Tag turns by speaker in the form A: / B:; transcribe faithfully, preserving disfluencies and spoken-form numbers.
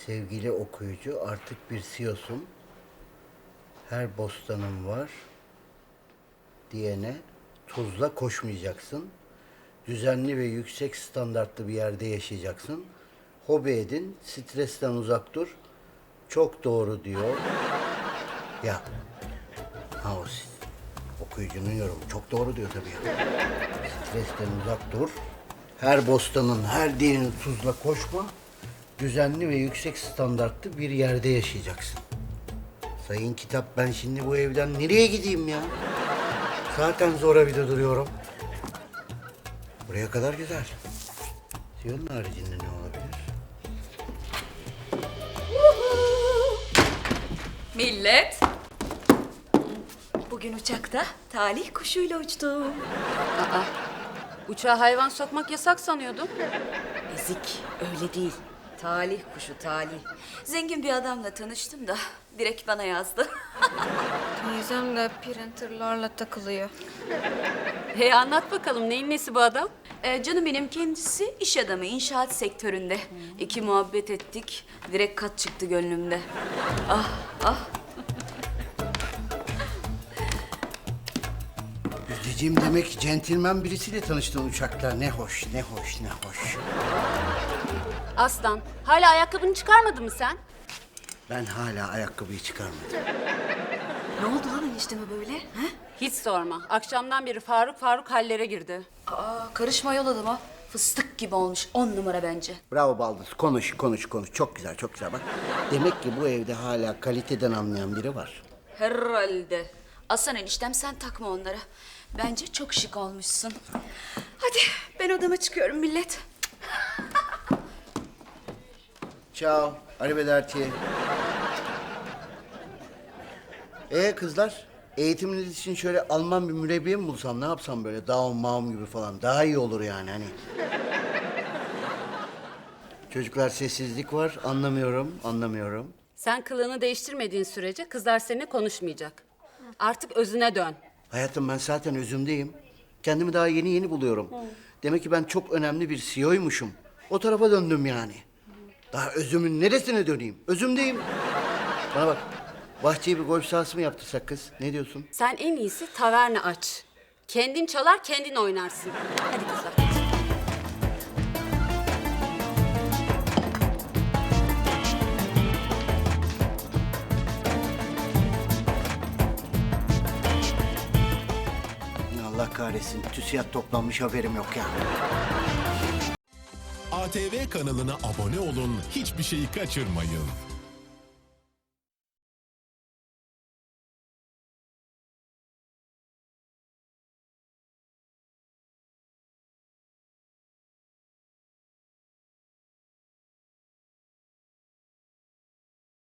A: Sevgili okuyucu, artık bir C E O'sun. Her bostanın var diyene tuzla koşmayacaksın. Düzenli ve yüksek standartlı bir yerde yaşayacaksın. Hobi edin, stresten uzak dur. Çok doğru diyor. Ya, ha o s- okuyucunun yorumu. Çok doğru diyor tabii ya. Stresten uzak dur. Her bostanın, her diyenin tuzla koşma. Düzenli ve yüksek standartlı bir yerde yaşayacaksın. Sayın kitap, ben şimdi bu evden nereye gideyim ya? Zaten zora bir de duruyorum. Buraya kadar güzel. Siyonun haricinde ne olabilir?
B: Millet. Bugün uçakta talih kuşuyla uçtum.
C: Aa, uçağa hayvan sokmak yasak sanıyordum.
B: Ezik, öyle değil. Talih kuşu, talih. Zengin bir adamla tanıştım da direkt bana yazdı.
D: Teyzem de printerlarla takılıyor.
C: Hey, anlat bakalım, neyin nesi bu adam?
B: Ee, canım benim kendisi iş adamı, inşaat sektöründe. İki muhabbet ettik, direkt kat çıktı gönlümde. Ah, ah.
A: Yüzeciğim, demek centilmen birisiyle tanıştın uçakta. Ne hoş, ne hoş, ne hoş.
C: Aslan, hala ayakkabını çıkarmadın mı sen?
A: Ben hala ayakkabıyı çıkarmadım.
B: Ne oldu lan enişteme böyle? He?
C: Hiç sorma. Akşamdan beri Faruk Faruk hallere girdi.
B: Aa, karışma yol adama. Fıstık gibi olmuş, on numara bence.
A: Bravo Baldız. Konuş, konuş, konuş. Çok güzel, çok güzel. Bak, demek ki bu evde hala kaliteden anlayan biri var.
B: Herhalde. Aslan eniştem, sen takma onlara. Bence çok şık olmuşsun. Hadi ben odama çıkıyorum millet.
A: Ciao. Arrivederci. Ee kızlar, eğitiminiz için şöyle Alman bir mürebbiye mi bulsam, ne yapsam böyle Daum Maum gibi falan, daha iyi olur yani hani. Çocuklar, sessizlik var, anlamıyorum, anlamıyorum.
C: Sen kılığını değiştirmediğin sürece kızlar seninle konuşmayacak. Artık özüne dön.
A: Hayatım, ben zaten özümdeyim. Kendimi daha yeni yeni buluyorum. Demek ki ben çok önemli bir C E O'ymuşum. O tarafa döndüm yani. Daha özümün neresine döneyim? Özümdeyim. Bana bak, bahçeye bir golf sahası mı yaptırsak kız? Ne diyorsun?
C: Sen en iyisi taverna aç. Kendin çalar, kendin oynarsın. Hadi kızlar.
A: Allah kahretsin, TÜSİAD toplanmış, haberim yok ya.
E: A T V kanalına abone olun, hiçbir şeyi kaçırmayın.